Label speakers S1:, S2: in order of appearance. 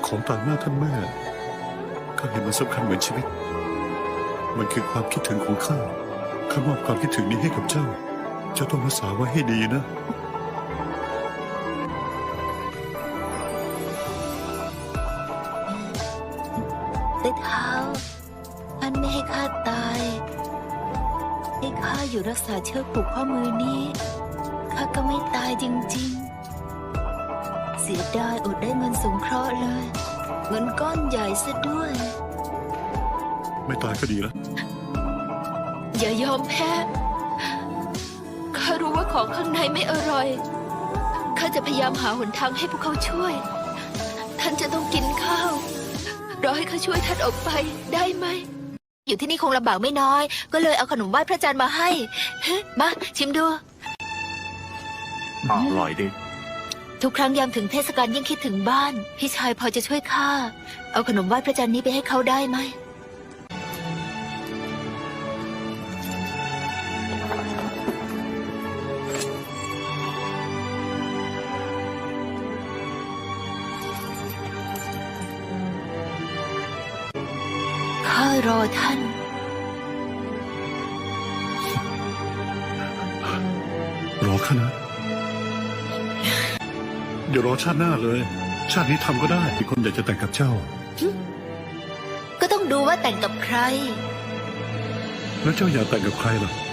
S1: ของต่างหน้าท่านแม่ข้าเห็นมันสำคัญเหมือนชีวิตมันคือความคิดถึงของข้าข้ามอบความคิดถึงนี้ให้กับเจ้าเจ้าต้องรักษาไว้ให้ดีนะ
S2: ใต้เท้าท่านไม่ให้ข้าตายให้ข้าอยู่รักษาเชือกผูกข้อมือนี้ข้าก็ไม่ตายจริงๆเสียดายอดได้เงินสงเคราะห์เลยเงินก้อนใหญ่ซะด้วย
S1: ไม่ตายก็ดีแล้ว
S2: อย่ายอมแพ้ข้ารู้ว่าของข้างในไม่อร่อยข้าจะพยายามหาหนทางให้พวกเขาช่วยท่านจะต้องกินข้าวรอให้ข้าช่วยท่านออกไปได้ไหมอยู่ที่นี่คงลำบากไม่น้อยก็เลยเอาขนมไหว้พระจันทร์มาให้มาชิมดู
S3: อร่อยดิ
S2: ทุกครั้งยามถึงเทศกาลยิ่งคิดถึงบ้านพี่ชายพอจะช่วยข้าเอาขนมไหว้พระจันทร์นี้ไปให้เขาได้ไหมข้ารอท่าน
S1: รอข้านะเดี๋ยวรอชาติหน้าเลย ชาตินี้ทำก็ได้มีคนอยากจะแต่งกับเจ้า
S2: ก็ต้องดูว่าแต่งกับใคร
S1: แล้วเจ้าอยากแต่งกับใครล่ะ